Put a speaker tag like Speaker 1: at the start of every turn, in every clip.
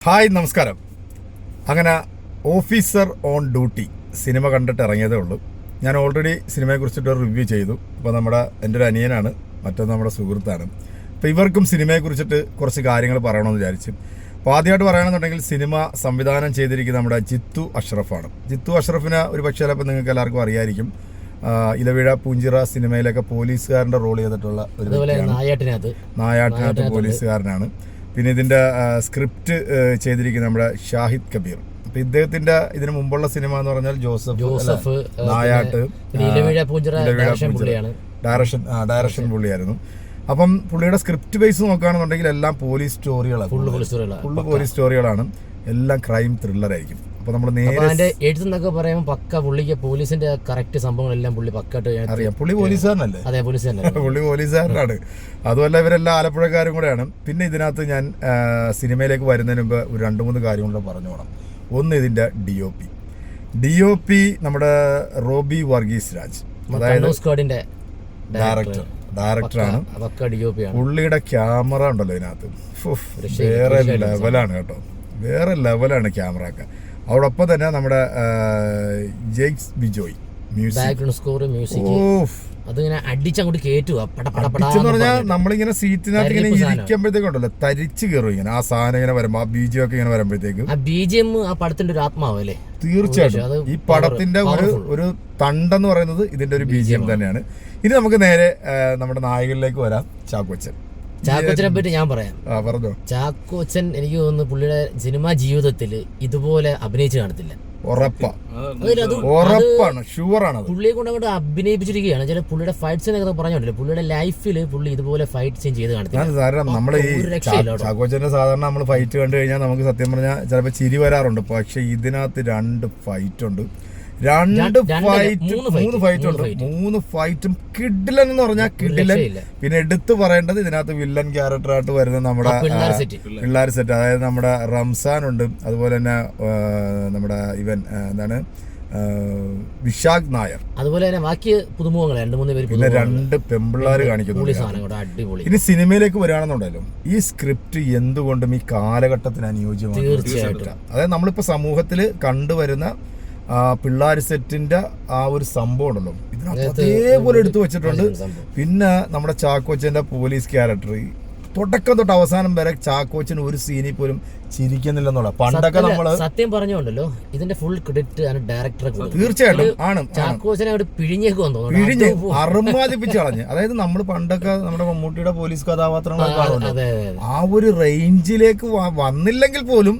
Speaker 1: Hi, നമസ്കാരം. അങ്ങനെ officer on duty cinema കണ്ടിട്ട് ഇറങ്ങിയതേ ഉള്ളൂ. ഞാൻ ഓൾറെഡി സിനിമയെക്കുറിച്ചിട്ട് റിവ്യൂ ചെയ്തു. അപ്പോൾ എൻ്റെ ഒരു അനിയനാണ്, മറ്റൊന്ന് നമ്മുടെ സുഹൃത്താണ്. അപ്പോൾ ഇവർക്കും സിനിമയെക്കുറിച്ചിട്ട് കുറച്ച് കാര്യങ്ങൾ പറയണമെന്ന് വിചാരിച്ചു. അപ്പോൾ ആദ്യമായിട്ട് പറയുകയാണെന്നുണ്ടെങ്കിൽ സിനിമ സംവിധാനം ചെയ്തിരിക്കുന്ന നമ്മുടെ ജിത്തു അഷ്റഫാണ്. ജിത്തു അഷ്റഫിനെ ഒരു പക്ഷേ ചിലപ്പോൾ നിങ്ങൾക്ക് എല്ലാവർക്കും അറിയായിരിക്കും. ഇലവിഴ പൂഞ്ചിറ സിനിമയിലൊക്കെ പോലീസുകാരൻ്റെ റോൾ ചെയ്തിട്ടുള്ള ഒരു നായാട്ടിനകത്ത് പോലീസുകാരനാണ്. പിന്നെ ഇതിൻ്റെ സ്ക്രിപ്റ്റ് ചെയ്തിരിക്കുന്നത് നമ്മുടെ ഷാഹിദ് കബീർ. അപ്പം ഇദ്ദേഹത്തിൻ്റെ ഇതിന് മുമ്പുള്ള സിനിമ എന്ന് പറഞ്ഞാൽ ജോസഫ് നായാട്ട്, ഡയറക്ഷൻ പുള്ളിയായിരുന്നു. അപ്പം പുള്ളിയുടെ സ്ക്രിപ്റ്റ് ബേസ് നോക്കുകയാണെന്നുണ്ടെങ്കിൽ എല്ലാം പോലീസ് സ്റ്റോറികളാണ്, എല്ലാം ക്രൈം ത്രില്ലറായിരിക്കും. അപ്പൊ നമ്മൾ നേരെ
Speaker 2: എഴുത്തെന്നൊക്കെ പറയുമ്പോൾ പക്ക പുള്ളിക്ക് പോലീസിന്റെ കറക്റ്റ് സംഭവങ്ങളെല്ലാം പുള്ളി പക്കായിട്ട്
Speaker 1: അറിയാം. പുള്ളി പോലീസുകാരനല്ലേ?
Speaker 2: അതെ,
Speaker 1: പുള്ളി പോലീസുകാരനാണ്. അതുമല്ല ഇവരെല്ലാം ആലപ്പുഴക്കാരും കൂടെയാണ്. പിന്നെ ഇതിനകത്ത് ഞാൻ സിനിമയിലേക്ക് വരുന്നതിന് മുമ്പ് ഒരു 2-3 കാര്യങ്ങൾ പറഞ്ഞു പോകണം. ഒന്ന്, ഇതിന്റെ DOP നമ്മുടെ റോബി വർഗീസ് രാജ്, അതായത് ഡയറക്ടറാണ്. പുള്ളിയുടെ ക്യാമറ ഉണ്ടല്ലോ ഇതിനകത്ത്, വേറെ ലെവലാണ് കേട്ടോ, വേറെ ലെവലാണ് ക്യാമറ ഒക്കെ. അതോടൊപ്പം തന്നെ നമ്മുടെ ജെയ്ക്സ് ബിജോയ് പറഞ്ഞാൽ നമ്മളിങ്ങനെ സീറ്റിനകത്ത് ഇങ്ങനെ ഇരിക്കുമ്പോഴത്തേക്കുണ്ടല്ലോ തരിച്ചു കയറും ഇങ്ങനെ ആ സാധനം ഇങ്ങനെ വരുമ്പോ, ആ ബിജിഎം ഒക്കെ ഇങ്ങനെ വരുമ്പോഴത്തേക്ക്
Speaker 2: പടത്തിന്റെ ഒരു ആത്മാവല്ലേ.
Speaker 1: തീർച്ചയായിട്ടും ഈ പടത്തിന്റെ ഒരു തണ്ടെന്ന് പറയുന്നത് ഇതിന്റെ ഒരു BGM തന്നെയാണ്. ഇനി നമുക്ക് നേരെ നമ്മുടെ നായകനിലേക്ക് വരാം.
Speaker 2: ചാക്കോച്ചനെ പറ്റി ഞാൻ പറയാം.
Speaker 1: പറഞ്ഞോ.
Speaker 2: ചാക്കോച്ചൻ എനിക്ക് തോന്നുന്നു പുള്ളിയുടെ സിനിമാ ജീവിതത്തിൽ ഇതുപോലെ അഭിനയിച്ച് കാണത്തില്ല. പുള്ളിയെ കൊണ്ട് അങ്ങോട്ട് അഭിനയിപ്പിച്ചിരിക്കുകയാണ്. ചില പുള്ളിയുടെ ഫൈറ്റ് സീനൊക്കെ പറഞ്ഞോണ്ടല്ലോ, പുള്ളിയുടെ ലൈഫിൽ പുള്ളി ഇതുപോലെ ഫൈറ്റ് സീൻ ചെയ്ത്
Speaker 1: കാണത്തില്ല. നമ്മൾ ഈ ചാക്കോച്ചന്റെ സാധാരണ നമ്മൾ ഫൈറ്റ് കണ്ടു കഴിഞ്ഞാൽ നമുക്ക് സത്യം പറഞ്ഞാൽ ചിലപ്പോൾ ചിരി വരാറുണ്ട്. പക്ഷെ ഇതിനകത്ത് 2 ഫൈറ്റ് ഉണ്ട്, 3 ഫൈറ്റും കിഡിലൻ എന്ന് പറഞ്ഞാൽ കിഡിലൻ. പിന്നെ എടുത്തു പറയേണ്ടത് ഇതിനകത്ത് വില്ലൻ ക്യാരക്ടറായിട്ട് വരുന്ന നമ്മുടെ പിള്ളേർ സെറ്റ്, അതായത് നമ്മുടെ റംസാൻ ഉണ്ട്, അതുപോലെ തന്നെ നമ്മുടെ എന്താണ് വിശാഖ് നായർ,
Speaker 2: അതുപോലെ തന്നെ ബാക്കി പുതുമുഖങ്ങൾ 2-3 പേര്,
Speaker 1: പിന്നെ 2 പെമ്പിള്ളാര് കാണിക്കുന്നു. ഇനി സിനിമയിലേക്ക് വരികയാണെന്നുണ്ടല്ലോ, ഈ സ്ക്രിപ്റ്റ് എന്തുകൊണ്ടും ഈ കാലഘട്ടത്തിന് അനുയോജ്യമാണ്.
Speaker 2: തീർച്ചയായിട്ടും.
Speaker 1: അതായത് നമ്മളിപ്പോ സമൂഹത്തിൽ കണ്ടുവരുന്ന പിള്ളേർ സെറ്റിന്റെ ആ ഒരു സംഭവം ഉണ്ടല്ലോ ഇതിനകത്ത് അതേപോലെ എടുത്തു വെച്ചിട്ടുണ്ട്. പിന്നെ നമ്മുടെ ചാക്കോച്ചന്റെ പോലീസ് ക്യാരക്ടർ തുടക്കം തൊട്ട് അവസാനം വരെ ചാക്കോച്ചന് ഒരു സീനിൽ പോലും ചിരിക്കുന്നില്ലെന്നുള്ള. പണ്ടൊക്കെ നമ്മള്
Speaker 2: സത്യം പറഞ്ഞുണ്ടല്ലോ, ഇതിന്റെ ഫുൾ ക്രെഡിറ്റ് ഡയറക്ടറെ.
Speaker 1: തീർച്ചയായിട്ടും ആണ്.
Speaker 2: ചാക്കോച്ചനെ പിഴിഞ്ഞ്
Speaker 1: അറുമാദിപ്പിച്ച് കളഞ്ഞ്. അതായത് നമ്മൾ പണ്ടൊക്കെ നമ്മുടെ മമ്മൂട്ടിയുടെ പോലീസ് കഥാപാത്രങ്ങളൊക്കെ കാണുമല്ലോ, ആ ഒരു റേഞ്ചിലേക്ക് വന്നില്ലെങ്കിൽ പോലും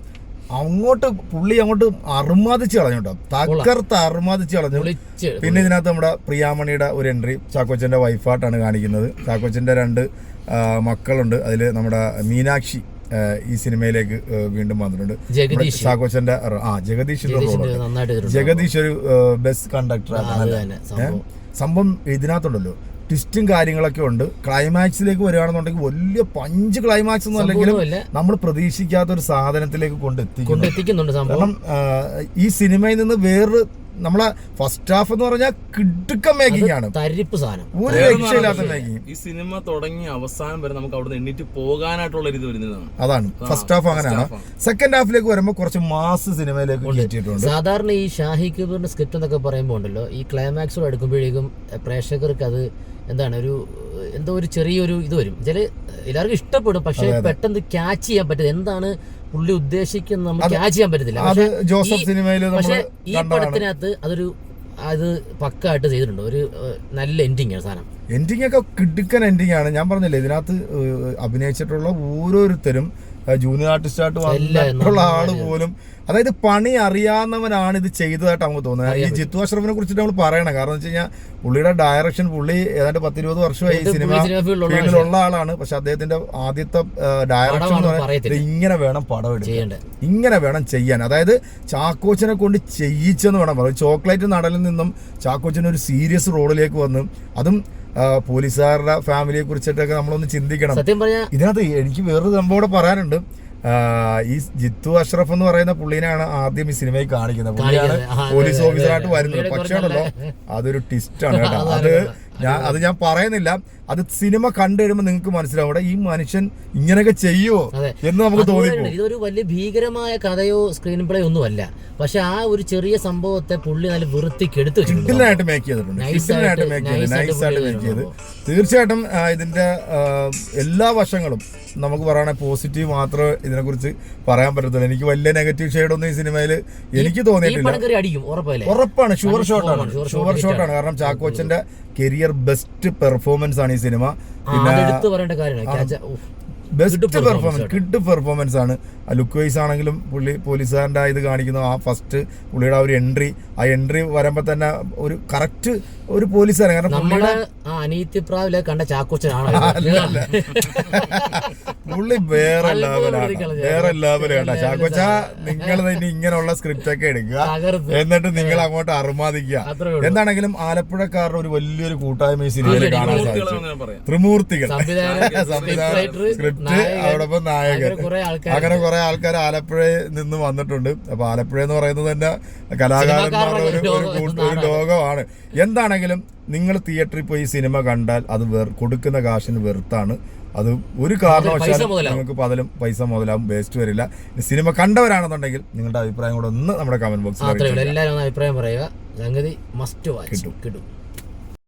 Speaker 1: പുള്ളി അങ്ങോട്ട് അറുമാദിച്ച് കളഞ്ഞു കേട്ടോ, തകർത്ത് അറുമാദിച്ച് കളഞ്ഞു. പിന്നെ ഇതിനകത്ത് നമ്മുടെ പ്രിയാമണിയുടെ ഒരു എൻട്രി, ചാക്കോച്ചന്റെ വൈഫായിട്ടാണ് കാണിക്കുന്നത്. ചാക്കോച്ചന്റെ 2 മക്കളുണ്ട്. അതിൽ നമ്മുടെ മീനാക്ഷി ഈ സിനിമയിലേക്ക് വീണ്ടും വന്നിട്ടുണ്ട്. ചാക്കോച്ചന്റെ ജഗദീഷിന്റെ റോളുണ്ട്. ജഗദീഷ് ഒരു ബസ് കണ്ടക്ടറാണ്. സംഭവം ഇതിനകത്തുണ്ടല്ലോ ട്വിസ്റ്റും കാര്യങ്ങളൊക്കെ ഉണ്ട്. ക്ലൈമാക്സിലേക്ക് വരികയാണെന്നുണ്ടെങ്കിൽ വലിയ പഞ്ച് ക്ലൈമാക്സ് ഒന്നും അല്ലെങ്കിലും നമ്മൾ പ്രതീക്ഷിക്കാത്ത ഒരു സാധനത്തിലേക്ക് കൊണ്ടെത്തിക്കുന്നുണ്ട്. കാരണം ഈ സിനിമയിൽ നിന്ന് വേറൊരു നമ്മളെ ഫസ്റ്റ് ഹാഫ് എന്ന് പറഞ്ഞാൽ കിടുക്കം മേക്കിംഗ് ആണ്,
Speaker 2: തരിപ്പ് സാധനം,
Speaker 1: ഒരു രക്ഷയില്ലാത്ത മേക്കിംഗ്.
Speaker 3: ഈ സിനിമ തുടങ്ങി അവസാനം വരെ നമുക്ക് അവിടെ എണ്ണീറ്റ് പോകാനായിട്ടുള്ള ഒരു ഇത് വരുന്നതാണ്.
Speaker 1: അതാണ് ഫസ്റ്റ് ഹാഫ്. അങ്ങനെയാണ്. സെക്കൻഡ് ഹാഫിലേക്ക് വരുമ്പോൾ കുറച്ച് മാസ് സിനിമയിലേക്ക് കയറ്റിയിട്ടുണ്ട്.
Speaker 2: സാധാരണ ഈ ഷാഹിദ് കബീറിന്റെ സ്ക്രിപ്റ്റ് എന്നൊക്കെ പറയുമ്പോൾ ഉണ്ടല്ലോ, ഈ ക്ലൈമാക്സോട് എടുക്കുമ്പോഴേക്കും പ്രേക്ഷകർക്ക് അത് എന്താണ് എന്തോ ഒരു ചെറിയൊരു ഇത് വരും. എല്ലാവർക്കും ഇഷ്ടപ്പെടും, പക്ഷെ പെട്ടെന്ന് ക്യാച്ച് ചെയ്യാൻ പറ്റില്ല. എന്താണ് പുള്ളി ഉദ്ദേശിക്കുന്നത് നമുക്ക് ക്യാച്ച് ചെയ്യാൻ പറ്റത്തില്ല. പക്ഷെ ഈ പടത്തിനകത്ത് അത് പക്കായിട്ട് ചെയ്തിട്ടുണ്ട്. ഒരു നല്ല എൻഡിങ് ആണ് സാധനം.
Speaker 1: എൻഡിങ് ഒക്കെ കിടുക്കൻ എൻഡിങ് ആണ്. ഞാൻ പറഞ്ഞില്ലേ, ഇതിനകത്ത് അഭിനയിച്ചിട്ടുള്ള ഓരോരുത്തരും ജൂനിയർ ആർട്ടിസ്റ്റായിട്ട് വന്നിട്ടുള്ള ആള് പോലും, അതായത് പണി അറിയാവുന്നവനാണ് ഇത് ചെയ്തതായിട്ട് നമുക്ക് തോന്നുന്നത്. ഈ ജിത്തു അഷ്റഫിനെ കുറിച്ചിട്ട് നമ്മൾ പറയണം. കാരണം എന്ന് വെച്ച് കഴിഞ്ഞാൽ പുള്ളിയുടെ ഡയറക്ഷൻ, പുള്ളി ഏതാണ്ട് 10-20 വർഷമായി ഈ സിനിമ ഫീൽഡിലുള്ള ആളാണ്. പക്ഷെ അദ്ദേഹത്തിന്റെ ആദ്യത്തെ ഡയറക്ഷൻ എന്ന് പറയുന്നത് ഇങ്ങനെ വേണം പടം എടുക്കാൻ, ഇങ്ങനെ വേണം ചെയ്യാൻ. അതായത് ചാക്കോച്ചനെ കൊണ്ട് ചെയ്യിച്ചെന്ന് വേണം പറയാം. ചോക്ലേറ്റ് നടലിൽ നിന്നും ചാക്കോച്ചൻ ഒരു സീരിയസ് റോളിലേക്ക് വന്ന്, അതും പോലീസുകാരുടെ ഫാമിലിയെ കുറിച്ചിട്ടൊക്കെ നമ്മളൊന്ന് ചിന്തിക്കണം. ഇതിനകത്ത് എനിക്ക് വേറൊരു സംഭവം കൂടെ പറയാനുണ്ട്. ഈ ജിത്തു അഷ്റഫ് എന്ന് പറയുന്ന പുള്ളിനെയാണ് ആദ്യം ഈ സിനിമയിൽ കാണിക്കുന്നത്. പുള്ളിയാണ് പോലീസ് ഓഫീസറായിട്ട് വരുന്നത്. പക്ഷേ ഉണ്ടല്ലോ, അതൊരു ട്വിസ്റ്റ് ആണ് കേട്ടോ. അത് ഞാൻ പറയുന്നില്ല. അത് സിനിമ കണ്ടു കഴിയുമ്പോൾ നിങ്ങൾക്ക് മനസ്സിലാവും ഈ മനുഷ്യൻ ഇങ്ങനെയൊക്കെ ചെയ്യുമോ എന്ന് നമുക്ക് തോന്നിപ്പോ.
Speaker 2: ഇതൊരു വലിയ ഭീകരമായ കഥയോ സ്ക്രീൻ പ്ലേ ഒന്നുമല്ല, പക്ഷെ ആ ഒരു ചെറിയ സംഭവത്തെ പുള്ളി നല്ല വൃത്തിക്ക് എടുത്തു
Speaker 1: കിഡിലായിട്ട് മേക്ക് ചെയ്തിട്ടുണ്ട്. തീർച്ചയായിട്ടും ഇതിന്റെ എല്ലാ വശങ്ങളും നമുക്ക് പറയുകയാണെങ്കിൽ പോസിറ്റീവ് മാത്രമേ ഇതിനെക്കുറിച്ച് പറയാൻ പറ്റത്തുള്ളൂ. എനിക്ക് വലിയ നെഗറ്റീവ് ഷെയ്ഡൊന്നും ഈ സിനിമയിൽ എനിക്ക് തോന്നിയിട്ടില്ല. ഉറപ്പാണ്, ഷുവർ ഷോട്ടാണ്. കാരണം ചാക്കോച്ചന്റെ കരിയർ ബെസ്റ്റ് പെർഫോമൻസ് ആണ് ഈ സിനിമ. പിന്നെ ബെസ്റ്റ് പെർഫോമൻസ്, കിഡ് പെർഫോമൻസ് ആണ്. ലുക്ക് വൈസ് ആണെങ്കിലും പുള്ളി പോലീസുകാരൻ്റെ ഇത് കാണിക്കുന്നു. ആ ഫസ്റ്റ് പുള്ളിയുടെ ആ ഒരു എൻട്രി വരുമ്പോ തന്നെ ഒരു കറക്റ്റ് ഒരു പോലീസുകാരൻ. കാരണം
Speaker 2: കണ്ട ചാക്കോച്ചനാണ്
Speaker 1: പുള്ളി വേറെ ലെവലാണ് കേട്ടോ. ചാക്കോച്ച നിങ്ങൾ തന്നെ ഇങ്ങനെയുള്ള സ്ക്രിപ്റ്റ് ഒക്കെ എടുക്കുക, എന്നിട്ട് നിങ്ങൾ അങ്ങോട്ട് അറുമാദിക്കുക. എന്താണെങ്കിലും ആലപ്പുഴക്കാരുടെ ഒരു വലിയൊരു കൂട്ടായ്മ ഈ സിനിമയിൽ കാണാൻ സാധിച്ചു. ത്രിമൂർത്തികൾ സംവിധാനം, സ്ക്രിപ്റ്റ്, അതോടൊപ്പം നായകൻ, അങ്ങനെ കുറെ ആൾക്കാർ ആലപ്പുഴയിൽ നിന്ന് വന്നിട്ടുണ്ട്. അപ്പൊ ആലപ്പുഴ എന്ന് പറയുന്നത് തന്നെ കലാകാരന്മാരുടെ ഒരു ലോകമാണ്. എന്താണെങ്കിലും നിങ്ങൾ തിയേറ്ററിൽ പോയി സിനിമ കണ്ടാൽ അത് കൊടുക്കുന്ന കാശിന് വെറുത്താണ്. അത് ഒരു കാരണവശാലും നിങ്ങൾക്ക് പൈസ മുതലാവും, വേസ്റ്റ് വരില്ല. സിനിമ കണ്ടവരാണെന്നുണ്ടെങ്കിൽ നിങ്ങളുടെ അഭിപ്രായം കൂടെ ഒന്ന് നമ്മുടെ കമന്റ് ബോക്സിൽ
Speaker 2: എല്ലാവരും അഭിപ്രായം പറയുക. സംഗതി മസ്റ്റ് വാച്ച് കിട്ടും.